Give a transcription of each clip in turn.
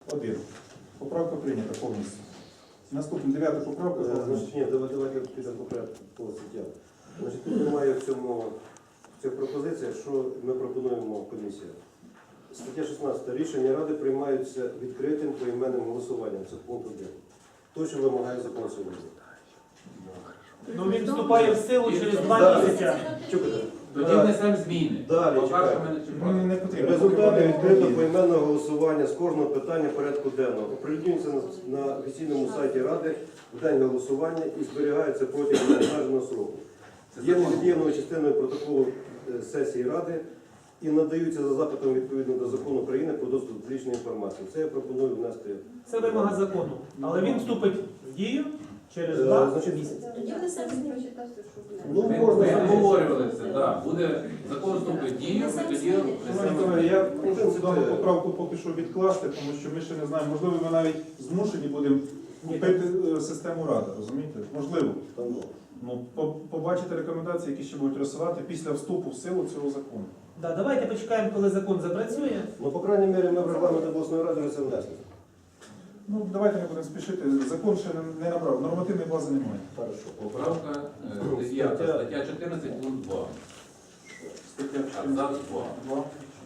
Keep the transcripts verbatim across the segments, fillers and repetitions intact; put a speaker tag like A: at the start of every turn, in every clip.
A: один. Поправка прийнята повністю. Наступна дев'ята поправка.
B: Е, Значить, ні, давай- давайте підемо по порядку по статтям. Значить, тут немає в цьому в цих пропозиціях, що ми пропонуємо комісії. Стаття шістнадцята. Рішення Ради приймаються відкритим поіменним голосуванням. Це пункт один. То, що вимагає закон сьогодні.
C: Ну він вступає в силу через два
B: Да.
C: місяці.
B: Чекайте.
D: Тоді внесемо зміни.
B: Далі,
D: Поки
B: чекай.
D: що ми не
A: Ну,
D: чіпаємо.
A: не потрібно.
B: Результати відкритого поіменного голосування з кожного питання порядку денного оприлюднюються на, на офіційному сайті Ради в день голосування і зберігаються протягом обмеженого сроку. Є невід'ємною частиною протоколу е, сесії Ради і надаються за запитом відповідно до закону України про доступ до публічної інформації. Це я пропоную внести.
C: Це вимога закону. Але він вступить в дію через
B: Е,
C: два
B: значить,
C: місяці.
E: Тоді вони самі прочитати, що
B: Ну,
D: Ми,
B: можна
D: ми
B: записати.
D: обговорювали це, так. Буде закон вступить в дію, ми тоді
A: Шановні
D: внесемо.
A: колеги, я прошу дану поправку поки що відкласти, тому що ми ще не знаємо. Можливо, ми навіть змушені будемо купити е, систему Ради, розумієте? Можливо.
B: Там, ну.
A: Ну, по- побачити рекомендації, які ще будуть розсилати після вступу в силу цього закону.
C: Да, давайте почекаємо, коли закон запрацює.
B: Ну, по крайній мірі, ми в регламент обласної ради вже це внесли.
A: Ну, давайте не будемо спішити. Закон ще не- не набрав, нормативної бази немає.
B: Хорошо.
D: Поправка е, дев'ята, стаття чотирнадцять, пункт два.
A: Стаття
D: Абзац два.
A: два.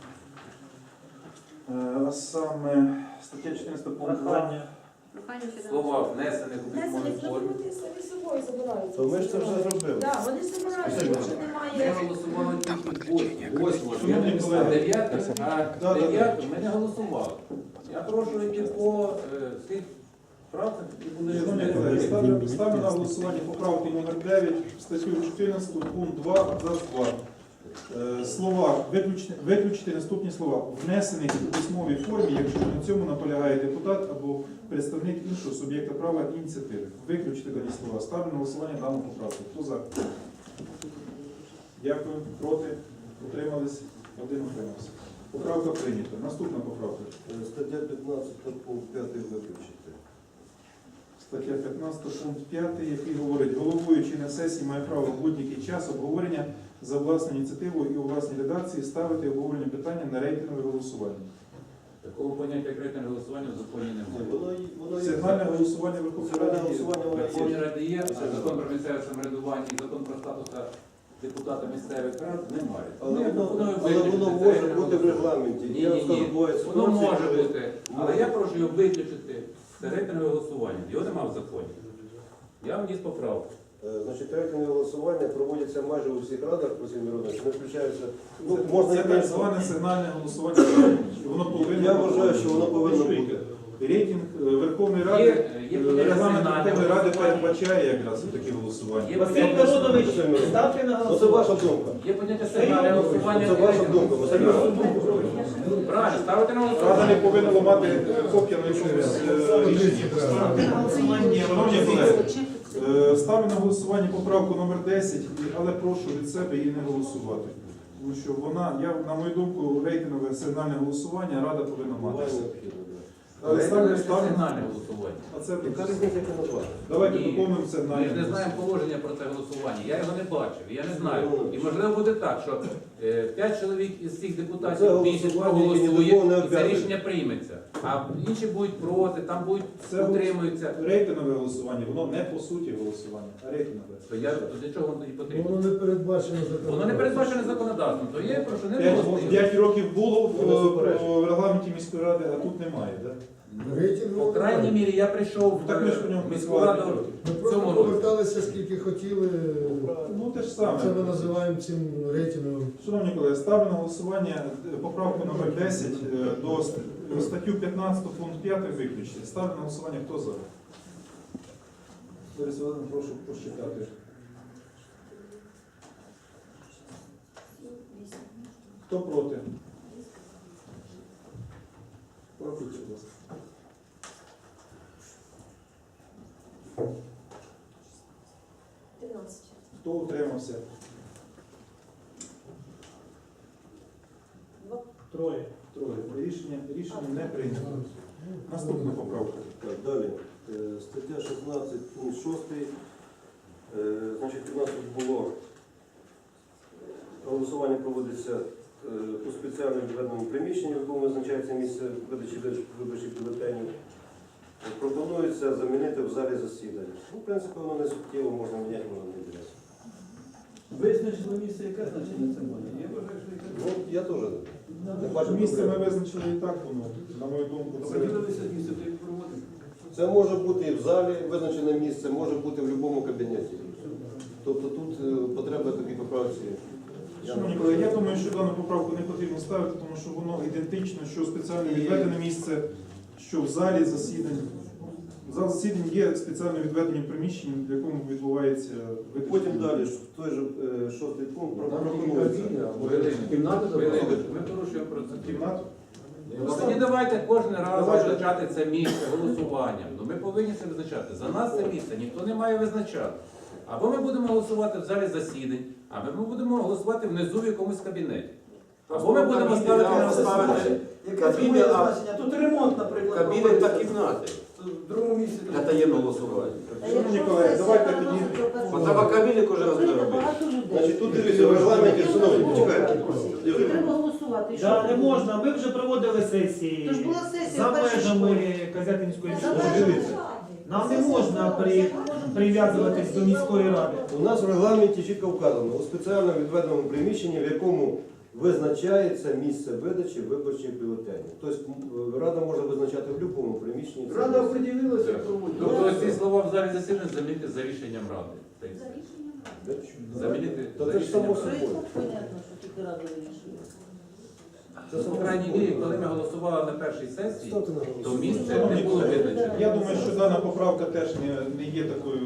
A: Е, А саме стаття чотирнадцять пункт два.
C: Прохання.
E: прохання ще
D: Слова внесених у
E: Внесені
D: письмовій формі.
E: вони самі собою забирають.
B: То ми ж це вже зробили.
E: Так, вони забирають,
B: Все,
E: тому що
D: Ми
E: немає.
D: голосували тільки восьмого,
A: Шановні
D: а
A: колеги.
D: дев'яте,
A: Да,
D: а
A: да, да.
D: дев'яте ми не голосували. Я прошу йти по е, тих правках, які були
A: Шановні колеги, ставлю, ставлю на голосування поправки номер дев'ять, статтю чотирнадцять, пункт два, абзац два. Е, Слова, виключити, виключити наступні слова. Внесених у письмовій формі, якщо на цьому наполягає депутат або представник іншого суб'єкта права ініціативи. Виключити дані слова. Ставлю на голосування дану поправку. Хто за? Дякую. Проти? Утримались? Один утримався. Поправка прийнята. Наступна поправка.
B: Е, Стаття п'ятнадцята, пункт п'ятий виключити.
A: Стаття п'ятнадцята, пункт п'ятий, який говорить, головуючий на сесії має право в будь-який час обговорення за власною ініціативою і у власній редакції ставити обговорення питання на рейтингове голосування.
D: Такого поняття як рейтинг голосування в законі
B: Ні,
D: немає.
B: Воно, є- воно є.
A: Сигнальне голосування Верховної
B: Сигнальне
A: Ради.
B: голосування
D: В
B: воно
D: Верховній
B: є.
D: Раді є, а закон про місцеве самоврядування і закон про статус депутата місцевих рад немає.
B: Але
D: Ну, я
B: воно,
D: пропоную
B: але
D: виключити
B: воно
D: це
B: може
D: рейтинг
B: бути в
D: голосування.
B: регламенті.
D: Ні,
B: Я
D: ні,
B: скажу,
D: ні.
B: буває
D: Воно
B: ситуації,
D: може
B: коли-
D: бути, але я прошу його виключити. Це рейтингове голосування. Його немає в законі. Я вніс поправку.
B: Е, Значить, рейтингове голосування проводяться майже у всіх радах по всім міронах. Не включаються. Ну, можна
A: Це
B: і
A: так зване сигнальне голосування. Воно повинно
B: Я вважаю, що воно повинно бути.
A: Рейтинг е, Верховної
D: Є,
A: Ради,
D: є
A: е,
D: поняття
A: регламент
D: сигнальне
A: Верховної Ради
D: голосування.
A: передбачає якраз такі голосування.
D: Є
C: Василь
D: поняття-
C: Миронович, ставте на
B: Ну, це
C: голосування.
B: ваша думка.
D: Є поняття сигнальне голосування.
B: Це ваша думка. Василь Миронович.
D: Правильно, ставити на
A: Рада
D: голосування.
A: не повинна ламати копія на якомусь е, рішенні. Шановні колеги, е, ставлю на голосування поправку номер десять, але прошу від себе її не голосувати. Тому що вона, я, на мою думку, рейтингове сигнальне голосування Рада повинна мати.
B: Буває необхідно, да.
A: Але ставлю,
D: Це
A: ставлю.
D: сигнальне голосування.
A: А це
B: Яка різниця, як це назвати?
A: давайте
D: Ні.
A: доповнимо
D: Ми ж
A: сигнальне.
D: не знаємо положення про це голосування. Я його не бачив, я не знаю. І можливо буде так, що е, п'ять чоловік із цих
B: Це
D: депутатів більшість
B: голосування, яке ні до кого не
D: проголосує, і це
B: обов'язує.
D: рішення прийметься. А інші будуть проти, там будуть
A: Це
D: утримуються.
A: рейтингове голосування, воно не по суті голосування, а рейтингове.
D: То я то для чого воно тоді потрібно?
F: Воно не передбачено законом.
D: Воно не передбачене законодавством, то є прошу не
A: П'ять,
D: голосуємо.
A: п'ять років було в,
B: Не заперечую.
A: в регламенті міської ради, а тут немає. Да?
F: Рейтингово
D: По крайній
F: немає.
D: мірі я прийшов в
A: Так ми ж по ньому
D: е, міську
A: працювали
D: раду
A: п'ять років.
F: Ми
D: в
F: просто
D: цьому році.
F: поверталися, скільки хотіли.
A: Ну те ж саме.
F: Це ми називаємо цим рейтинговим.
A: Шановні колеги, ставлю на голосування е, поправку номер десять е, до ст- статтю п'ятнадцять пункт п'ятий виключити. Ставлю на голосування, хто за? Борис Володимирович, прошу посчитати. Хто проти? Порахуйте, будь ласка.
E: тринадцять.
A: Хто утримався?
E: Два.
C: Троє.
A: Троє. Рішення, рішення не прийнято. Наступна поправка.
B: Так, далі. Е, Стаття шістнадцять, пункт шостий. Е, Значить, у нас тут було голосування проводиться е, у спеціально відведеному приміщенні, в якому визначається місце видачі виборчих бюлетенів. пропонується замінити в залі засідань. Ну, в принципі, воно не суттєво, можна міняти, можна не міняти.
C: Визначено місце, яке значення це має. Я вважаю, що яке.
B: Ну, я теж не бачу
A: Місце ми
B: проблем.
A: визначили і так, воно, на мою думку, це...
C: Оприділилися місце, то і проводимо.
B: Це може бути і в залі визначене місце, може бути в будь-якому кабінеті. Тобто тут е, потреба такій поправці. я
A: Шановні
B: не
A: колеги, я
B: бачу.
A: думаю, що дану поправку не потрібно ставити, тому що воно ідентично, що спеціально відведене місце, що в залі засідань. Зал засідань є спеціально відведеним приміщенням, в якому відбувається виключення.
B: Потім далі, в той же е, шостий пункт пропонується.
D: Кімнату Ми порушуємо процедуру.
A: Кімнату.
D: Ну, Тоді давайте кожен раз
A: Давайте.
D: визначати це місце голосуванням. Ну ми повинні це визначати. За нас це місце ніхто не має визначати. Або ми будемо голосувати в залі засідань, або ми будемо голосувати внизу в якомусь кабінеті. Або ми будемо ставити на
C: ставити. Яке це має значення? Тут ремонт, наприклад.
G: Кабіни та кімнати
C: В другому місці.
G: для таємного голосування.
A: Шановні колеги, давайте тоді.
G: Бо треба кабіни кожен раз не робити.
B: Значить, тут дивіться, в регламенті, шановні, почекайте.
H: Треба голосувати. І що?
C: Да, не можна. Ми вже проводили сесії
H: Тож була сесія
C: за
H: в першій
C: межами
H: школі.
C: Казятинської
H: За
C: школи.
H: межами.
B: Дивіться.
C: Нам не можна при, прив'язуватись до міської ради.
B: У нас в регламенті чітко вказано, у спеціально відведеному приміщенні, в якому визначається місце видачі виборчих бюлетенів. Тобто м, Рада може визначати в будь-якому приміщенні. це
C: Рада
B: місце.
C: оприділилася, проводить.
D: Тобто ці слова в залі засідань замінити за рішенням ради. Та й все. Замінити
B: Та
D: за
B: це ж само
D: рішенням ради.
B: собою.
H: Понятно, що тільки рада вирішує.
B: Це
D: По
B: само
D: крайній
B: собою.
D: мірі, коли ми голосували на першій сесії,
B: Ставте на
D: то
B: голосування.
D: місце не було визначено.
A: Я думаю, що дана поправка теж не, не є такою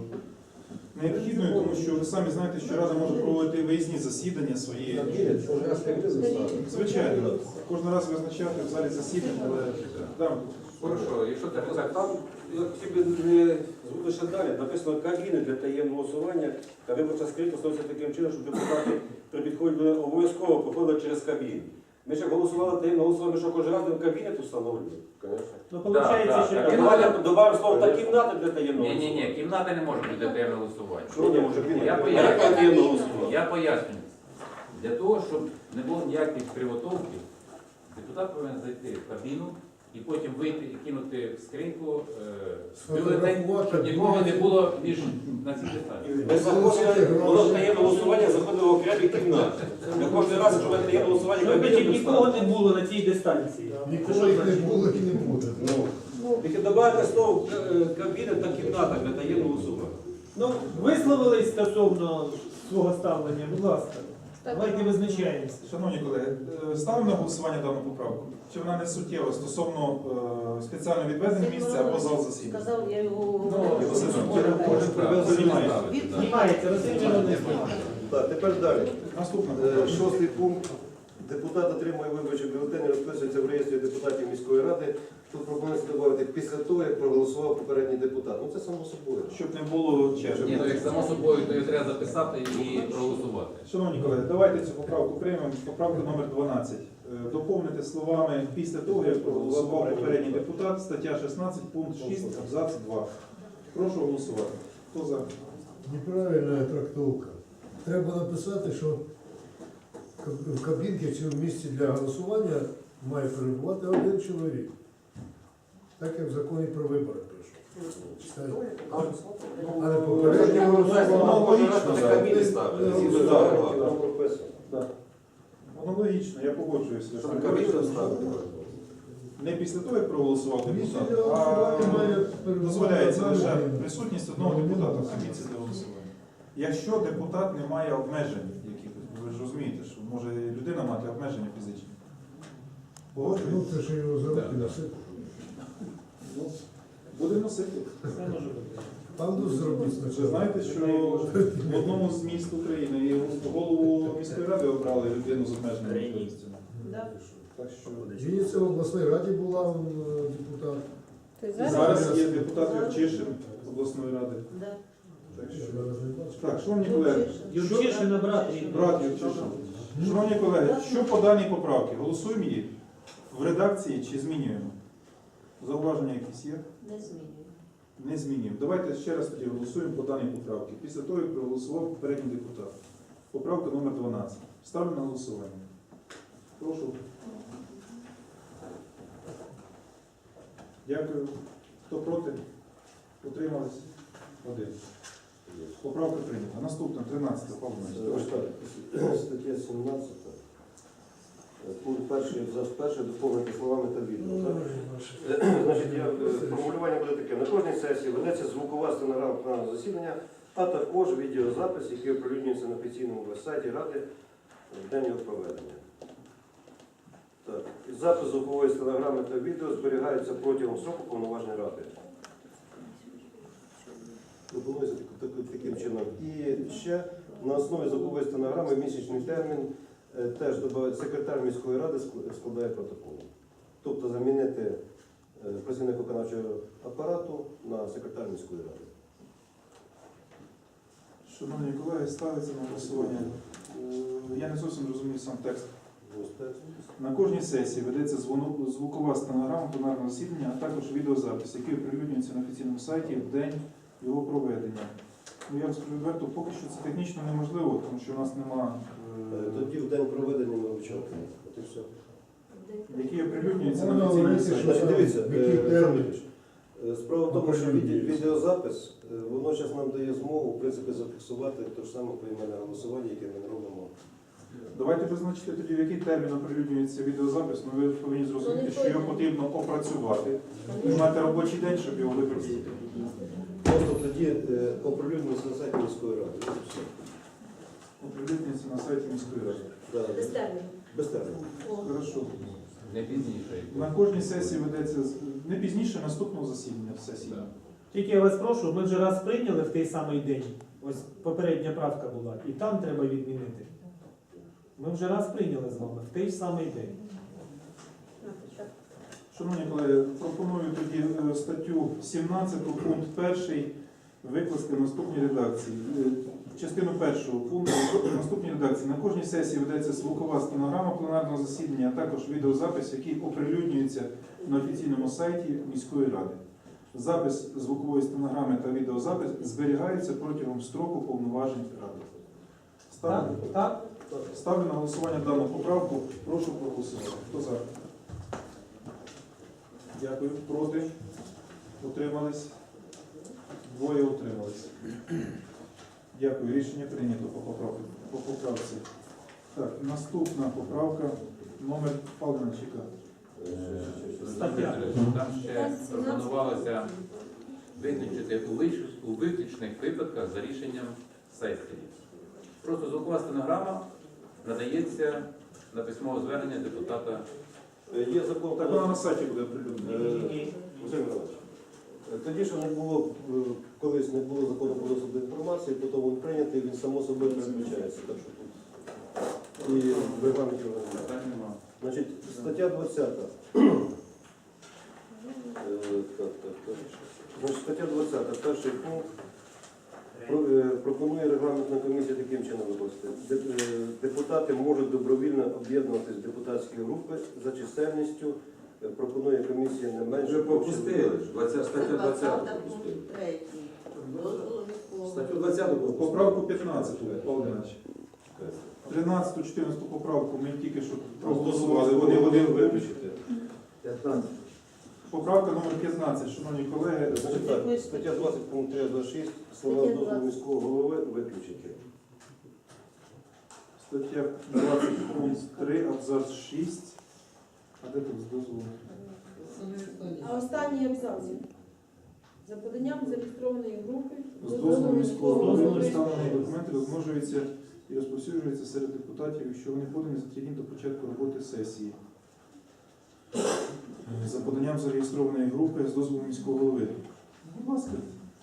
A: необхідною, тому що ви самі знаєте, що Рада може проводити виїзні засідання свої.
B: Кабінет, кожен раз кабінет заставити.
A: Звичайно, кожен раз визначати в залі засідань, але да,
D: Хорошо, якщо це
I: Так,
D: так,
I: там я хотів би не звути ще далі. Написано кабіни для таємного голосування, та виборча скринька становиться таким чином, щоб депутати при підході до неї обов'язково проходили через кабіни. Ми ще голосували таємне голосування, ми що кожен раз будемо кабінет встановлювати?
B: Звісно.
C: Ну,
D: Да,
C: виходить,
D: да,
C: що
D: так.
C: так.
I: Давайте додамо слово та кімната для таємного
D: ні, ні,
I: голосування.
D: ні, кімната не може бути таємне голосування.
I: Що не може бути?
D: Я
I: Яке
D: поясню.
I: таємне голосування?
D: Я пояснюю. Для того, щоб не було ніяких кривотолків, депутат повинен зайти в кабіну і потім вийти і кинути в скриньку е, бюлетень, щоб нікого не було між на цій деталі.
I: Ми заходили, було таємне голосування, заходили в окремі кімнати. Ми кожен раз, якщо ми таємне голосування,
C: Щоб
I: кабінет
C: тоді нікого не було на цій дистанції.
F: Ніколи їх не було і не буде.
I: Тільки додати слово е, кабінет та кімната для таємного голосування.
C: Ну, висловились стосовно свого ставлення, будь ласка. Давайте визначаємося.
A: шановні колеги, е, ставимо на голосування дану поправку. Чи вона не суттєва стосовно е, спеціально відведене місця або зал засідань?
H: Сказав, я його
D: Ну,
H: говорю.
A: Василь,
D: може, може,
A: Знімається.
D: знімається.
C: Знімається, Василь Миронович.
B: Так, тепер далі.
A: Наступне.
B: Е, Шостий пункт. Депутат отримує виборчі бюлетені, розписується в реєстрі депутатів міської ради. Тут пропонується додати після того, як проголосував попередній депутат. Ну це само собою.
A: Щоб не було черги.
D: Ні, ну як само собою, то її треба записати і проголосувати.
A: Шановні колеги, давайте цю поправку приймемо. Поправка номер дванадцять. Е, Доповнити словами після того, як проголосував попередній депутат, стаття шістнадцять, пункт шість, абзац два. Прошу голосувати. Хто за?
F: Неправильна трактовка. Треба написати, що в кабінці чи в місці для голосування має перебувати один чоловік. Так як в законі про вибори пише. Читайте. А не попередньо
A: Воно
F: голосування.
A: логічно,
G: Ми
A: да.
G: кабіни ставили. згідно
B: Так,
G: закону.
B: там прописано.
A: Воно логічно, я погоджуюся.
G: Щоб кабіни ставити.
A: Не після того, як проголосував
F: Місце
A: депутат,
F: для голосування має
A: а
F: перебувати
A: дозволяється
F: одна
A: лише
F: людина.
A: присутність одного депутата в комісії для голосування. Якщо депутат не має обмежень якихось, ви ж розумієте, що може людина мати обмеження фізичні.
F: Ну,
A: Погоджуєтесь?
F: це ж його за руки носити.
A: Ну, будемо носити.
F: Панду зробіть
A: Ви
F: спочатку.
A: знаєте, що в одному з міст України і голову міської ради обрали людину з обмеженими можливостями.
H: Да.
A: Так що
F: В Вінниці в обласній раді була он, е, депутат.
E: Ти
A: і
E: зараз?
A: зараз є депутат Юрчишин обласної ради.
H: Да.
A: Так
F: Я
A: що
F: зараз не бачу.
A: так, шановні колеги,
C: Юрчишина брат рідний.
A: брат Юрчишин. Шановні колеги, що по даній поправці? Голосуємо її в редакції чи змінюємо? Зауваження якісь є?
H: Не змінює.
A: Не змінюємо. Давайте ще раз тоді голосуємо по даній поправці. Після того, як проголосував попередній депутат. Поправка номер дванадцять. Ставлю на голосування. Прошу. Дякую. Хто проти? Утримались? Один. Поправка прийнята. Наступна, тринадцята, Павло Іванович.
B: Ось так, стаття сімнадцята. Пункт перший, абзац перший, доповнити словами та відео. Значить, я, е, формулювання буде таке. На кожній сесії ведеться звукова стенограма пленарного засідання, а також відеозапис, який оприлюднюється на офіційному веб-сайті Ради в день його проведення. Так. Запис звукової стенограми та відео зберігається протягом строку повноважень Ради. Пропонується так- так- таким чином. І ще на основі звукової стенограми в місячний термін е, теж додають секретар міської ради ск- складає протокол. Тобто замінити е, працівник виконавчого апарату на секретар міської ради.
A: Шановні колеги, ставиться на голосування. Е, Я не зовсім розумію сам текст.
B: Ось так.
A: На кожній сесії ведеться звону- звукова стенограма пленарного засідання, а також відеозапис, який оприлюднюється на офіційному сайті в день його проведення. Ну, я вам скажу відверто, поки що це технічно неможливо, тому що у нас нема,
B: Е,
A: е,
B: Тоді в день проведення ми вчали. От і все.
A: які оприлюднюються на
F: Воно
A: офіційному
F: говорить,
A: сайті.
F: що-
B: Значить, дивіться,
F: В який
B: е,
F: термін?
B: е, справа в тому, що від-
F: Оприлюднюється.
B: відеозапис, е, воно зараз нам дає змогу, в принципі, зафіксувати те ж саме поіменне голосування, яке ми робимо.
A: Давайте визначити тоді, в який термін оприлюднюється відеозапис. Ну, ви повинні зрозуміти, що його потрібно опрацювати. Ви маєте робочий день, щоб його використати.
B: Просто тоді е, оприлюднюється на сайті міської ради. Ось і все.
A: Оприлюднюється на сайті міської ради.
B: Да,
E: Без терміну.
B: без терміну.
A: Хорошо.
D: Не пізніше.
A: На кожній сесії ведеться з- не пізніше наступного засідання сесії.
D: Да.
C: Тільки я вас прошу, ми вже раз прийняли в той самий день. Ось попередня правка була, і там треба відмінити. Ми вже раз прийняли з вами в той самий день.
A: Шановні колеги, пропоную тоді е, статтю сімнадцять, пункт перший викласти в наступній редакції. Е, Частину першого пункту в наступній редакції. На кожній сесії ведеться звукова стенограма пленарного засідання, а також відеозапис, який оприлюднюється на офіційному сайті міської ради. Запис звукової стенограми та відеозапис зберігаються протягом строку повноважень ради. Ставлю,
C: Так? Так?
A: ставлю на голосування дану поправку. Прошу проголосувати. Хто за? Дякую. Проти? Утримались? Двоє утримались. Дякую. Рішення прийнято по поправці. По поправці. Так, наступна поправка номер Павловна Чіка.
C: Стаття.
D: Там ще пропонувалося виключити у виш- у виключних випадках за рішенням сесії. Просто звукова стенограма надається на письмове звернення депутата.
B: Е, Є закон
A: Так
B: про
A: вона на сайті буде оприлюднена.
B: Е, Василь Михайлович, е, тоді, що не було, е, колись не було закону про доступ до інформації, потім він прийнятий, він само собою передбачається. Так що тут і в регламенті його немає.
D: Питань нема.
B: Значить, стаття двадцята. Е, Так, так, так. Значить, стаття двадцята, перший пункт. Про- е, Пропонує регламентна комісія таким чином викласти. Де- е, Депутати можуть добровільно об'єднуватись в депутатські групи за чисельністю. Е, Пропонує комісія не менше.
G: Вже пропустили. двадцята стаття двадцята пропустили. Статтю двадцяту пропустили.
A: Поправку п'ятнадцяту, Павло Іванович. тринадцяту, чотирнадцяту поправку ми тільки що проголосували. Вони вони виключити.
B: п'ятнадцять.
A: Поправка номер п'ятнадцять, шановні колеги.
B: Значить так, стаття двадцять, пункт три, двадцять шість, слова з дозволу міського голови виключити.
A: Стаття двадцять, пункт три, абзац шість. А де тут з дозволу?
E: А останній абзац. За поданням зареєстрованої групи
A: З дозволу міського голови
C: Дозволу
A: представлені документи розмножуються і розповсюджуються серед депутатів, якщо вони подані за три дні до початку роботи сесії. За поданням зареєстрованої групи з дозволу міського голови. Будь ласка.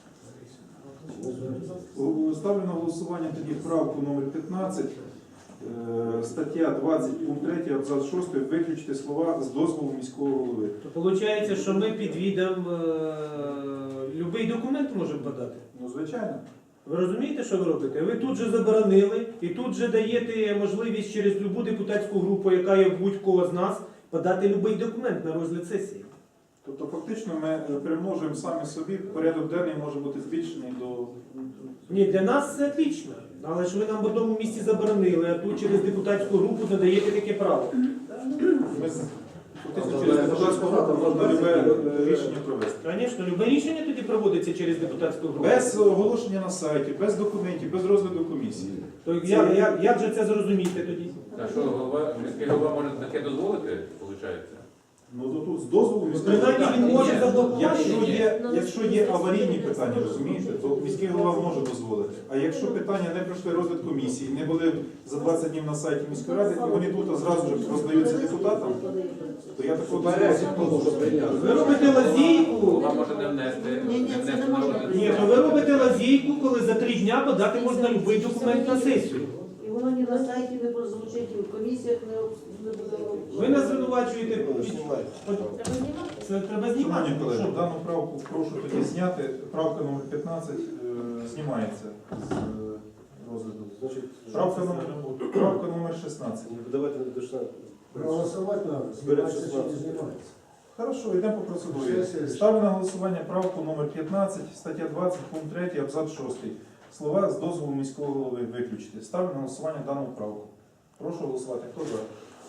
A: Ставлю на голосування тоді правку номер п'ятнадцять, е, стаття двадцять, пункт три, абзац шостий, виключити слова з дозволу міського голови.
C: То виходить, що ми під відом будь-який документ можемо подати.
A: Ну, звичайно.
C: Ви розумієте, що ви робите? Ви тут же заборонили і тут же даєте можливість через любу депутатську групу, яка є в будь-кого з нас, подати будь-який документ на розгляд сесії.
A: Тобто фактично ми е, примножуємо самі собі, порядок денний може бути збільшений до...
C: Ні, для нас це отлично. Але ж ви нам в одному місці заборонили, а тут через депутатську групу надаєте таке право.
A: Ми, з- Фактично через депутатську групу можна любе е, рішення провести.
C: Звісно, любе рішення тоді проводиться через депутатську групу.
A: Без оголошення на сайті, без документів, без розгляду комісії.
C: То як, як, як же це зрозуміти тоді?
D: А що, голова, міський голова може таке дозволити, виходить?
A: Ну то тут з дозволу міського
C: Принаймні він може
D: Ні,
C: заблокувати.
A: Якщо є, якщо є аварійні питання, розумієте, то міський голова може дозволити. А якщо питання не пройшли розгляд комісії, не були за двадцять днів на сайті міської ради, і вони тут зразу ж роздаються депутатам, то я такого дозволу.
C: Ви робите лазійку.
D: Голова може не внести,
H: Ні, ні,
D: не
H: це
D: внести
H: не
D: на
H: можна.
D: розгляд.
C: Ні, то ви робите лазійку, коли за три дня подати можна будь-який документ на сесію.
H: І воно ні на сайті не прозвучить, і в комісіях не, не буде.
C: Ви нас звинувачуєте.
B: Знімайте.
E: Треба знімати?
C: Це треба знімати.
A: Шановні колеги,
C: Що?
A: дану правку прошу тоді зняти. Правка номер п'ятнадцять е, знімається з е, розгляду.
B: Значить,
A: Правка номер, правка номер шістнадцять.
B: ну, давайте не дошла.
F: Проголосувати треба, знімається чи не знімається.
A: Хорошо, йдемо по процедурі.
F: Сесія.
A: Ставлю на голосування правку номер п'ятнадцять, стаття двадцять, пункт три, абзац шостий. Слова з дозволу міського голови виключити. Ставлю на голосування дану правку. Прошу голосувати. Хто за?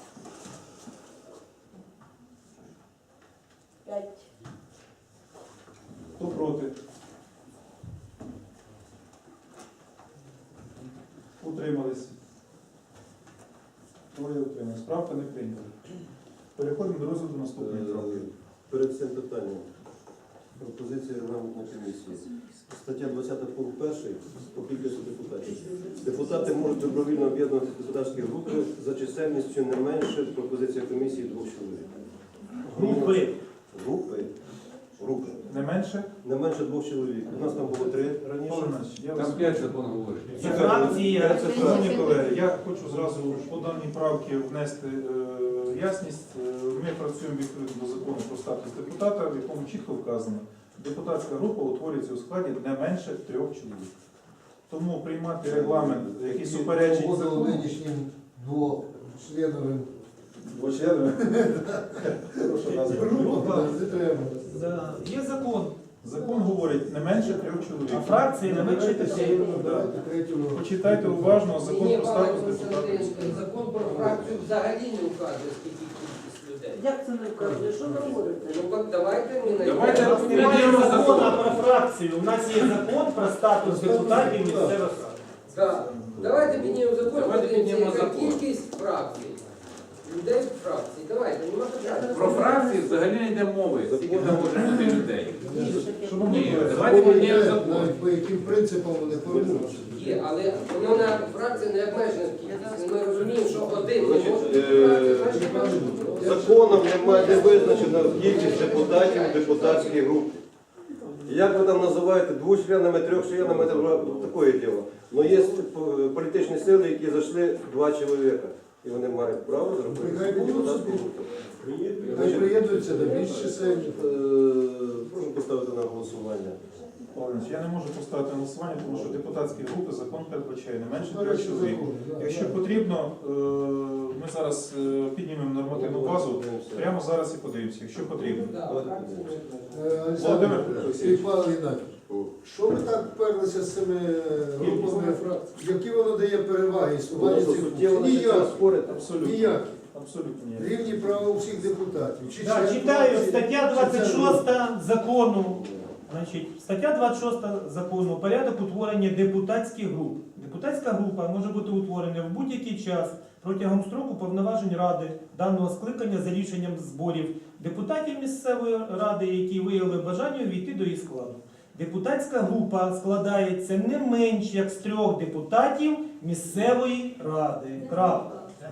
E: П'ять.
A: Хто проти? Утримались. Троє утримались. Правка не прийнята. Переходимо до розгляду наступної правки.
B: Е, Перед цим питанням. Пропозиція регламентної комісії. Стаття двадцять пункт перший по кількості депутатів. Депутати можуть добровільно об'єднувати депутатські групи за чисельністю не менше пропозиція комісії двох чоловік.
C: Групи.
B: Групи. Групи.
A: Не менше?
B: Не менше двох чоловік. У нас там було три раніше.
A: Павло Іванович, я вас...
D: Там п'ять закон говорить.
C: Це фракція.
A: Шановні колеги, я хочу зразу по даній правці внести е, ясність. Е, Ми працюємо відповідно до закону про статус депутата, в якому чітко вказано, депутатська група утворюється у складі не менше трьох чоловік. Тому приймати регламент, який суперечить
F: Погодили
A: закону,
F: нинішнім двочленовим
A: двочленовим. Хороша назва.
F: групам не треба.
C: Да. Є закон.
A: Закон говорить не менше трьох чоловік.
C: А фракції не менше п'яти.
F: Давайте третю.
A: Почитайте уважно закон про статус
J: Ні,
A: депутата.
J: Павло Константинович, закон про фракцію взагалі не вказує, скільки кількість людей.
H: Як це не вказує? Що ви говорите?
J: Ну так давайте ми
D: Давайте
J: знайдемо.
C: Немає
D: Підтримуємо
C: закону
D: закон.
C: про фракцію. У нас є закон про статус депутатів місцевих рад.
J: Так. Давайте піднімемо закон,
D: Давайте
J: подивимося,
D: піднімемо
J: яка
D: закон.
J: кількість фракцій. Людей в фракції. Давайте, нема питань.
D: Про фракції взагалі не йде мови, скільки там може бути людей.
A: Шановні
D: Ні,
A: колеги,
D: давайте піднімемо
F: Навіть
D: закон.
F: по яким принципам вони формуються.
J: Є, але воно на фракції не обмежена кількість. Ми розуміємо, що один не
B: Значить,
J: може
B: е,
J: бути фракції, значить, може бути.
B: Законом немає не визначена кількість депутатів у депутатській групі. Як ви там називаєте двочленами, трьохчленами, це вже таке діло. Але є політичні сили, які зайшли два чоловіка. І вони мають право зробити
F: Нехай будуть
B: депутатську
F: собі.
B: групу.
F: Хай приєднуються до більш чисельних.
B: Е, Прошу поставити на голосування.
A: Павло Іванович, я не можу поставити на голосування, тому що депутатські групи закон передбачає не менше трьох
F: Перший
A: чоловік.
F: закон, да,
A: Якщо
F: да.
A: потрібно, е, ми зараз е, піднімемо нормативну базу, прямо зараз і подивимося, якщо потрібно.
J: Да, фракції не-
F: Е,
A: Володимир
F: Олександр
A: Олексійович.
F: і Павло Геннадійович, що ви так вперлися з цими групами? Які воно дає переваги існування
B: Воно
F: цих
B: суттєво
F: груп?
B: починає
F: Ніякі.
B: спорити.
A: Абсолютно.
F: Ніякі.
A: Абсолютно ні.
F: Рівні права у всіх депутатів. Чи
C: Да,
F: член
C: читаю
F: фракції,
C: стаття
F: чи
C: двадцять
F: член групи.
C: шоста закону. Значить, стаття двадцять шоста закону порядок утворення депутатських груп. Депутатська група може бути утворена в будь-який час протягом строку повноважень ради даного скликання за рішенням зборів депутатів місцевої ради, які виявили бажання увійти до її складу. Депутатська група складається не менш як з трьох депутатів місцевої ради. Крапка.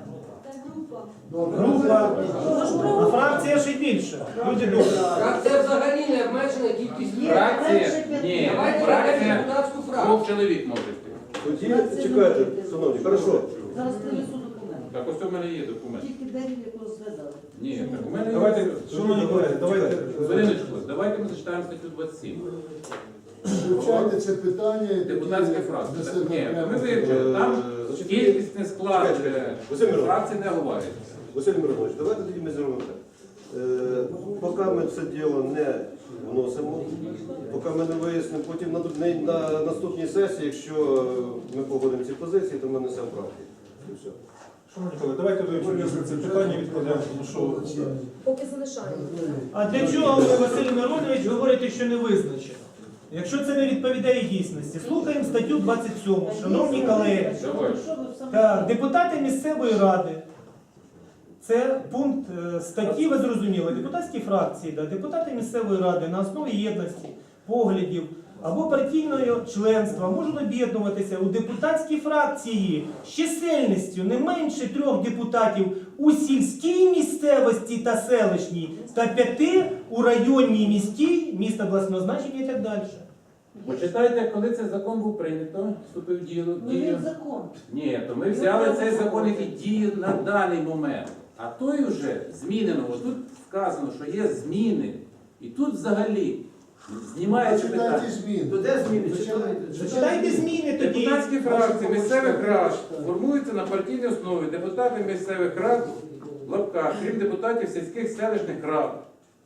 F: Добре.
C: Група, а фракція ще більше. Люди добрі.
J: Фракція взагалі не обмежена кількість
H: Є.
D: Фракція, ні,
J: Давайте
D: фракція
J: беремо депутатську фракцію.
D: двох чоловік може йти.
B: Тоді чекайте, шановні, хорошо.
H: Зараз принесу документ.
D: Так ось у мене є документ.
H: Тільки день, як розглядали.
D: Ні, так у мене є.
A: Давайте, шановні колеги, давайте.
D: Зориночко, давайте ми зачитаємо статтю двадцять сім.
F: Вивчайте це питання. і
D: Депутатська
F: тоді
D: фракція.
F: для
D: Так,
F: себе
D: ні,
F: окремо.
D: ми вивчили. Там
B: Е, значить,
D: кількісний склад
B: Чекайте,
D: е,
B: Василь Миронович.
D: фракцій не говорить.
B: Василь Миронович, давайте тоді ми зробимо так. Е, Поки ми це діло не вносимо, поки ми не вияснимо, потім на, на, на наступній сесії, якщо ми погодимо ці позиції, то ми несемо правки. І все.
A: Шановні колеги, давайте вивчимо це питання, відкладемо, тому що
E: Поки залишаємо.
C: А для чого ви, Василь Миронович, говорите, що не визначено? Якщо це не відповідає дійсності, слухаємо статтю двадцять сьому, шановні колеги.
D: Давай.
C: Так, депутати місцевої ради. Це пункт е, статті, ви зрозуміли, депутатські фракції, да, депутати місцевої ради на основі єдності, поглядів або партійного членства можуть об'єднуватися у депутатські фракції з чисельністю не менше трьох депутатів у сільській місцевості та селищній та п'яти у районній місті, міста обласного значення і так далі.
D: Почитайте, коли цей закон був прийнято, вступив в дію.
H: Ну
D: дію.
H: він закон.
D: Ні, то ми взяли цей закон, який діє на даний момент. А той вже змінено. Ось тут вказано, що є зміни. І тут взагалі знімається
F: Читайте
D: питання.
F: зміни.
J: То де зміни?
F: Зачитайте.
C: Зачитайте зміни тоді.
D: Депутатські фракції місцевих рад формуються на партійній основі. Депутати місцевих рад, в лапках, крім депутатів сільських селищних рад.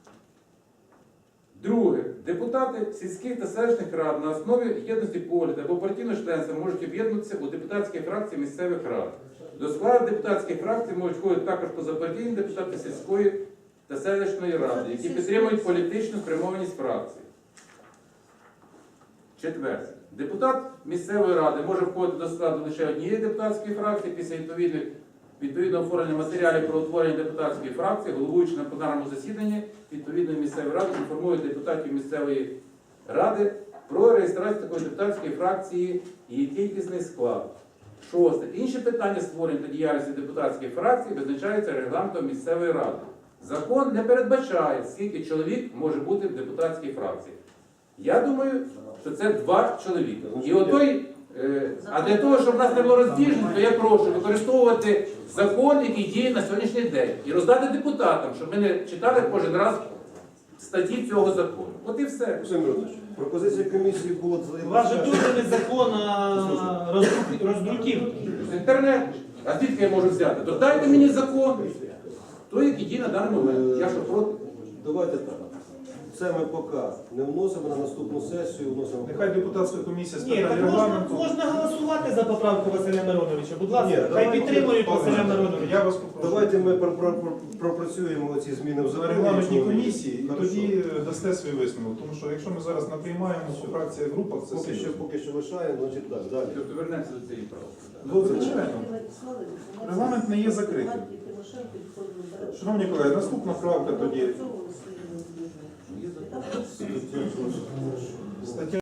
D: Друге. Депутати сільських та селищних рад на основі єдності погляду або партійного членства можуть об'єднуватися у депутатські фракції місцевих рад. До складу депутатських фракцій можуть входити також позапартійні депутати сільської та селищної ради, які підтримують політичну спрямованість фракції. Четверте. Депутат місцевої ради може входити до складу лише однієї депутатської фракції після відповідних відповідного оформлення матеріалів про утворення депутатської фракції, головуючи на пленарному засіданні відповідної місцевої ради, інформує депутатів місцевої ради про реєстрацію такої депутатської фракції і її кількісний склад. Шосте. Інші питання створення та діяльності депутатської фракції визначаються регламентом місцевої ради. Закон не передбачає, скільки чоловік може бути в депутатській фракції. Я думаю, що це два чоловіка. І отой, е, а для того, щоб в нас не було розбіжності, то я прошу використовувати закон, який діє на сьогоднішній день, і роздати депутатам, щоб ми не читали кожен раз статті цього закону. От і все.
B: Олександр Миронович, пропозиція комісії була
C: У вас же теж не закон, а роздрук- роздруківки.
D: З інтернету. А звідки я можу взяти? То дайте мені закон, той, який діє на даний момент. Я що проти?
B: Давайте так. Це ми поки не вносимо на наступну сесію, вносимо.
A: нехай депутатська комісія з
C: Ні, так
A: питань
C: можна,
A: регламенту.
C: можна голосувати за поправку Василя Мироновича. Будь
B: Ні,
C: ласка, хай
B: давайте,
C: підтримують
A: Павло
C: Василя
A: Іванович,
C: Мироновича.
A: Я вас попрошу.
B: Давайте ми про- про- про- пропрацюємо ці зміни в
A: На
B: законі.
A: регламентній
B: якщо-
A: комісії, і
B: Хорошо.
A: тоді дасте свій висновок. Тому що якщо ми зараз наприймаємо по фракція і групах, це
B: Поки що,
A: серйозно.
B: поки що лишаємо, значить так, далі.
D: Тобто вернемося до цієї правки.
A: Ну, звичайно. Регламент не є закритим. Шановні колеги, наступна правка тоді. Стаття